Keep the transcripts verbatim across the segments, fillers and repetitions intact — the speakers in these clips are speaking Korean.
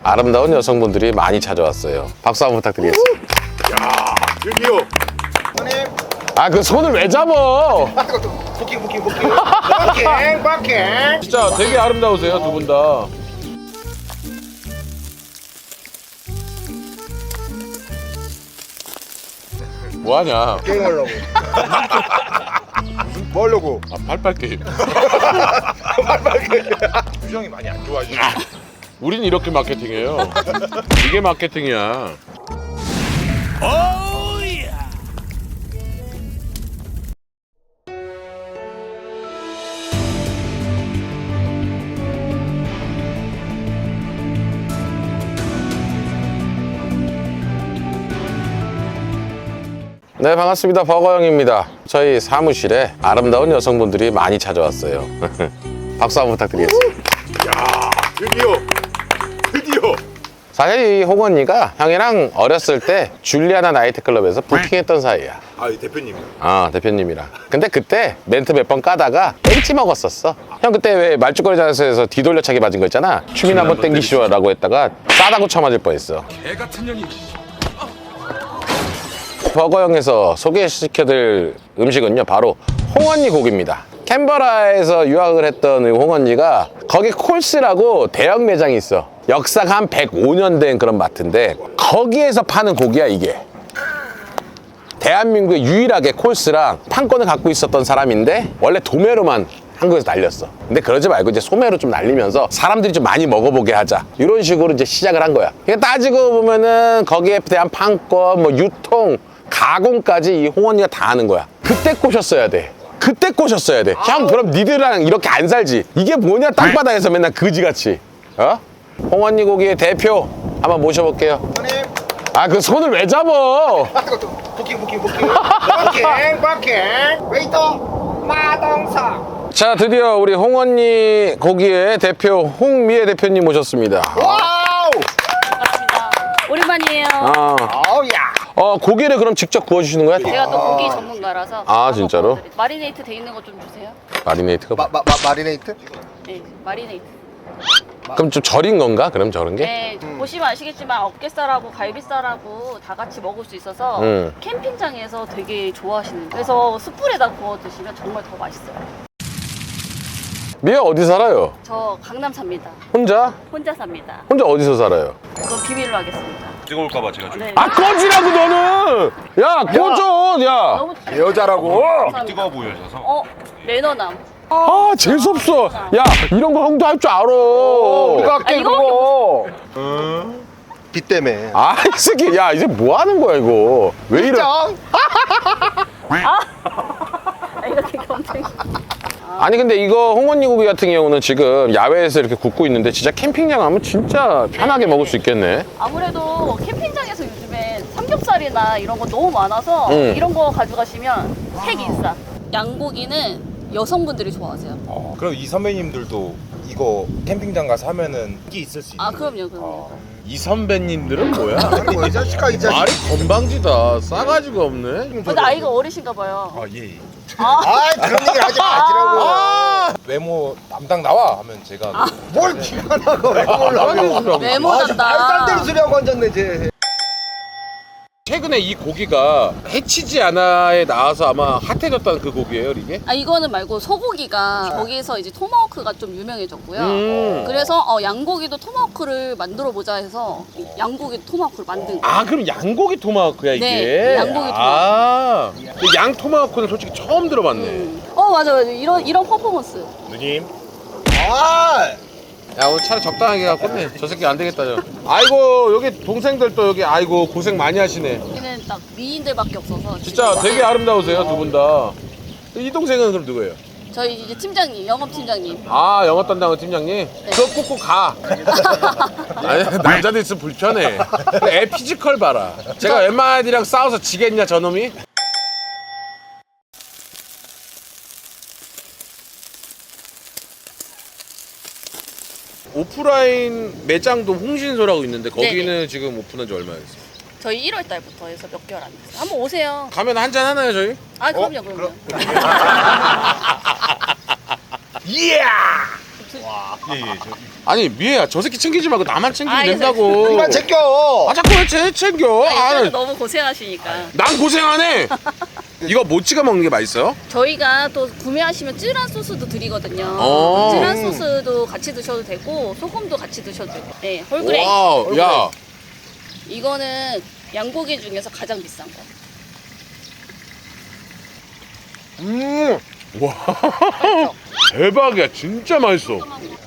아름다운 여성분들이 많이 찾아왔어요. 박수 한번 부탁드리겠습니다. 야, 드디어. 형님. 아, 그 손을 왜 잡어? 부킹 부킹 부킹. 부킹 부킹. 진짜 되게 아름다우세요, 두 분 다. 뭐하냐? 게임하려고. 뭐 하려고? 아, 팔팔 게임. 표정이 많이 안 좋아지네. 우린 이렇게 마케팅해요. 이게 마케팅이야. 네, 반갑습니다. 버거영입니다. 저희 사무실에 아름다운 여성분들이 많이 찾아왔어요. 박수 한번 부탁드리겠습니다. 야, 드디어. 드디어. 사실 이 홍언니가 형이랑 어렸을 때 줄리아나 나이트클럽에서 부킹했던 사이야. 아, 이 대표님. 아, 대표님이랑. 근데 그때 멘트 몇 번 까다가 벤치 먹었었어. 형 그때 왜 말죽거리 자세에서 뒤돌려차기 맞은 거 있잖아. 춤이나 한번 땡기시오라고 했다가 싸다고 쳐맞을 뻔했어. 개 같은 년이. 버거영에서 소개시켜드릴 음식은요, 바로 홍언니 고기입니다. 캔버라에서 유학을 했던 홍언니가 거기 콜스라고 대형 매장이 있어. 역사가 한 백오 년 된 그런 마트인데 거기에서 파는 고기야, 이게. 대한민국에 유일하게 콜스랑 판권을 갖고 있었던 사람인데 원래 도매로만 한국에서 날렸어. 근데 그러지 말고 이제 소매로 좀 날리면서 사람들이 좀 많이 먹어보게 하자, 이런 식으로 이제 시작을 한 거야. 그러니까 따지고 보면은 거기에 대한 판권, 뭐 유통, 가공까지 이 홍언니가 다 하는 거야. 그때 꼬셨어야 돼. 그때 꼬셨어야 돼. 형, 그럼 니들이랑 이렇게 안 살지. 이게 뭐냐, 땅바닥에서 맨날 그지같이. 어? 홍언니 고기의 대표 한번 모셔볼게요. 형님. 아, 그 손을 왜 잡어? 부킹 부킹 부킹. 부킹 부킹. 웨이터 마동석. 자, 드디어 우리 홍언니 고기의 대표 홍미애 대표님 모셨습니다. 와우. 반갑습니다. 오랜만이에요. 아, 어우야. 어, 고기를 그럼 직접 구워주시는 거야? 제가 또 고기 전문가라서. 아, 한번 진짜로? 구워드릴게요. 마리네이트 돼 있는 거 좀 주세요. 마리네이트가 뭐? 마, 마, 마, 마리네이트? 네, 마리네이트. 그럼 좀 절인 건가? 그럼 저런 게? 네, 보시면 아시겠지만 어깨살하고 갈비살하고 다 같이 먹을 수 있어서 음. 캠핑장에서 되게 좋아하시는. 그래서 숯불에다 구워 드시면 정말 더 맛있어요. 미애 어디 살아요? 저 강남 삽니다. 혼자? 혼자 삽니다. 혼자 어디서 살아요? 그건 비밀로 하겠습니다. 찍어올까봐 제가 좀. 네. 아, 꺼지라고 너는! 야, 꺼져! 야! 너무 여자라고. 뜨거워 보여져서. 어, 매너남. 아, 재수없어! 야, 이런 거 형도 할 줄 알아! 우리가 아, 할게 이거 그거. 비 때문에. 아, 이 새끼, 야, 이제 뭐 하는 거야, 이거? 왜 이래? 인정. 아, 이렇게 경쟁. 아니, 근데 이거 홍언니 고기 같은 경우는 지금 야외에서 이렇게 굽고 있는데 진짜 캠핑장 가면 진짜 편하게 먹을 수 있겠네. 아무래도 캠핑장에서 요즘에 삼겹살이나 이런 거 너무 많아서 음. 이런 거 가져가시면 색 인싸. 양고기는 여성분들이 좋아하세요. 어, 그럼 이 선배님들도 이거 캠핑장 가서 하면은 이게 있을 수 있는. 아, 그럼요, 그럼요. 이 선배님들은 뭐야? 아니 뭐이 자식아 이 자식. 말이 건방지다. 싸가지가 없네. 근데 아이가 어리신가 봐요. 아, 예. 예. 아, 아 그런 얘기 하지 마시라고. 아! 외모 담당 나와 하면 제가. 뭘 기가 나고 왜 몰라고. 외모 아, 말도 안 되는 담당. 소리 하고 앉았네 쟤. 최근에 이 고기가 해치지 않아에 나와서 아마 핫해졌다는 그 고기예요, 이게? 아, 이거는 말고 소고기가 거기서 이제 토마호크가 좀 유명해졌고요. 음. 그래서 어, 양고기도 토마호크를 만들어 보자 해서 양고기 토마호크를 만든 거예요. 아, 그럼 양고기 토마호크야, 이게? 네, 양고기 아, 근데 양 토마호크는 솔직히 처음 들어봤네. 음. 어, 맞아, 맞아. 이런 이런 퍼포먼스. 누님. 아. 야, 오늘 차를 적당하게 갖고 네. 저 새끼 안 되겠다, 저. 아이고, 여기 동생들 또 여기, 아이고, 고생 많이 하시네. 여기는 딱 미인들밖에 없어서. 진짜 지금 되게 아름다우세요, 두 분 다. 이 동생은 그럼 누구예요? 저희 이제 팀장님, 영업 팀장님. 아, 영업 담당은 팀장님? 그거 꽂고 가. 아니, 남자들 있으면 불편해. 애 피지컬 봐라. 제가 웬만한이랑 싸워서 지겠냐, 저놈이? 오프라인 매장도 홍신소라고 있는데 거기는 네네. 지금 오픈한 지 얼마나 됐어요? 저희 일월 달부터 해서 몇 개월 안 됐어요. 한번 오세요. 가면 한잔 하나요, 저희? 아, 그럼요, 그럼요. 이야. 예예. 아니 미애야 저 새끼 챙기지 말고 나만 챙기면 알겠어요. 된다고. 이만 챙겨. 아 자꾸 왜 쟤 챙겨? 아, 아, 이거 너무 고생하시니까. 난 고생하네. 이거 못 찍어 먹는 게 맛있어요? 저희가 또 구매하시면 쯔란 소스도 드리거든요. 어. 쯔란 소스도 같이 드셔도 되고 소금도 같이 드셔도 되고. 네, 홀그레이. 와우, 야, 이거는 양고기 중에서 가장 비싼 거. 음. 와, 대박이야, 진짜 맛있어.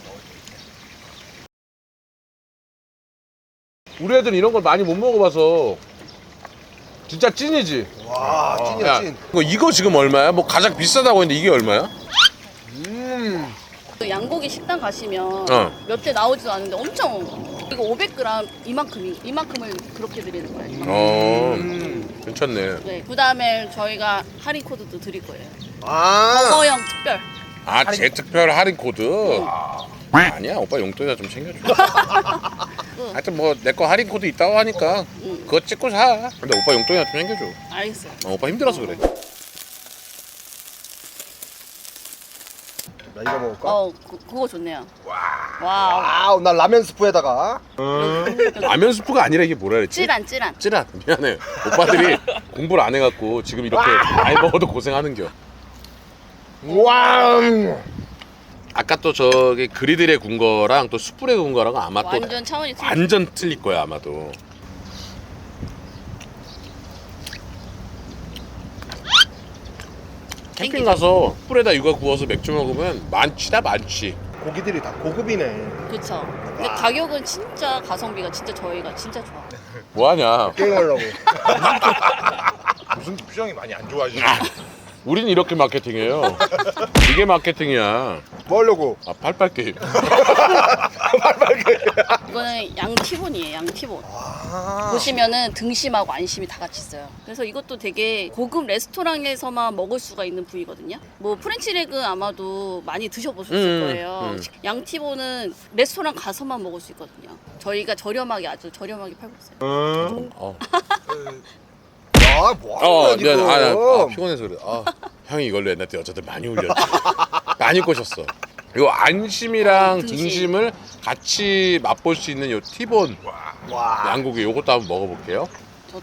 우리 애들은 이런 걸 많이 못 먹어봐서 진짜 찐이지. 와 찐이야 야, 찐. 이거, 이거 지금 얼마야? 뭐 가장 비싸다고 했는데 이게 얼마야? 음. 그 양고기 식당 가시면 어. 몇 대 나오지도 않는데 엄청 이거 오백 그램 이만큼이 이만큼을 그렇게 드리는 거예요. 어, 음. 괜찮네. 네, 그다음에 저희가 할인 코드도 드릴 거예요. 아. 버거형 특별. 아, 제 특별 할인 코드. 아니야, 오빠 용돈이나 좀 챙겨줘. 하여튼 뭐 내 거 할인 코드 있다고 하니까 응. 그거 찍고 사. 근데 오빠 용돈이나 좀 챙겨줘. 알겠어요. 어, 오빠 힘들어서 그래. 나 이거 먹을까? 어, 그, 그거 좋네요. 와. 와우 나 라면 스프에다가. 라면 스프가 아니라 이게 뭐라 그랬지? 찌란 찌란. 찌란. 미안해. 오빠들이 공부를 안 해갖고 지금 이렇게 많이 먹어도 고생하는겨. 와. 아까 또 저기 그리들에 군 거랑 또 숯불에 군 거랑 아마 또 완전 차원이 틀려. 완전 틀릴 거야 아마도. 캠핑 가서 숯불에다 육아 구워서 맥주 먹으면 많지다 많지. 고기들이 다 고급이네. 그쵸. 근데 가격은 진짜 가성비가 진짜 저희가 진짜 좋아. 뭐하냐? 게임하려고. 무슨 표정이 많이 안 좋아지네. 우린 이렇게 마케팅해요. 이게 마케팅이야. 뭐 하려고? 아 팔팔 게임. 이거는 양 티본이에요. 양 티본. 아. 보시면은 등심하고 안심이 다 같이 있어요. 그래서 이것도 되게 고급 레스토랑에서만 먹을 수가 있는 부위거든요. 뭐 프렌치 레그 아마도 많이 드셔보셨을 음, 거예요. 음. 양 티본은 레스토랑 가서만 먹을 수 있거든요. 저희가 저렴하게 아주 저렴하게 팔고 있어요. 어, 아, 뭐 하는 어 거야, 미안. 지금? 아, 나, 아 피곤해서 그래. 아, 형이 이걸로 옛날 때 여자들 많이 울렸지. 많이 꼬셨어. 이거 안심이랑 등심. 등심을 같이 맛볼 수 있는 요 티본 와. 양고기 요것도 한번 먹어볼게요. 저도.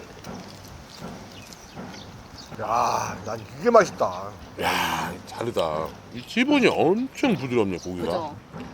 야, 난 이게 맛있다. 야, 다르다. 이 티본이 엄청 부드럽네 고기가. 그죠?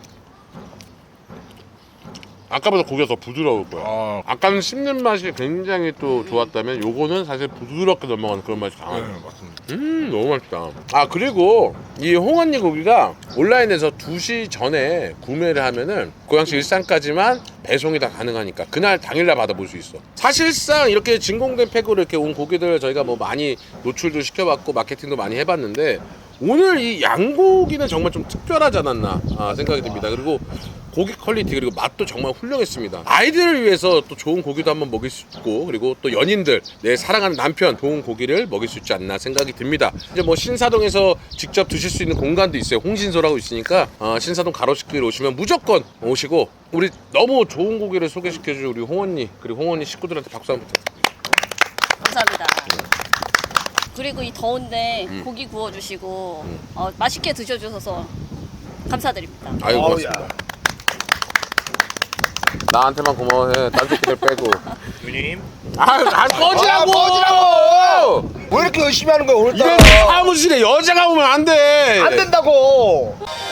아까보다 고기가 더 부드러울 거야. 아, 아까는 씹는 맛이 굉장히 또 좋았다면 요거는 사실 부드럽게 넘어가는 그런 맛이 강하네. 네, 맞습니다. 음 너무 맛있다. 아 그리고 이 홍언니 고기가 온라인에서 두 시 전에 구매를 하면은 고양시 일산까지만 배송이 다 가능하니까 그날 당일날 받아볼 수 있어. 사실상 이렇게 진공된 팩으로 이렇게 온 고기들 저희가 뭐 많이 노출도 시켜봤고 마케팅도 많이 해봤는데 오늘 이 양고기는 정말 좀 특별하지 않았나 아, 생각이 듭니다. 그리고 고기 퀄리티 그리고 맛도 정말 훌륭했습니다. 아이들을 위해서 또 좋은 고기도 한번 먹일 수 있고 그리고 또 연인들 내 사랑하는 남편 좋은 고기를 먹일 수 있지 않나 생각이 듭니다. 이제 뭐 신사동에서 직접 드실 수 있는 공간도 있어요. 홍신소라고 있으니까 어, 신사동 가로수길 오시면 무조건 오시고 우리 너무 좋은 고기를 소개시켜줄 우리 홍언니 그리고 홍언니 식구들한테 박수 한번 부탁드립니다. 감사합니다. 그리고 이 더운데 고기 구워주시고 어, 맛있게 드셔주셔서 감사드립니다. 아이고 어우, 고맙습니다. 야. 나한테만 고마워해. 딴 새끼들 빼고. 누님. 아, 아 꺼지라고! 아, 꺼지라고! 왜 이렇게 열심히 하는 거야 오늘따라? 이래서 사무실에 여자가 오면 안 돼. 안 된다고.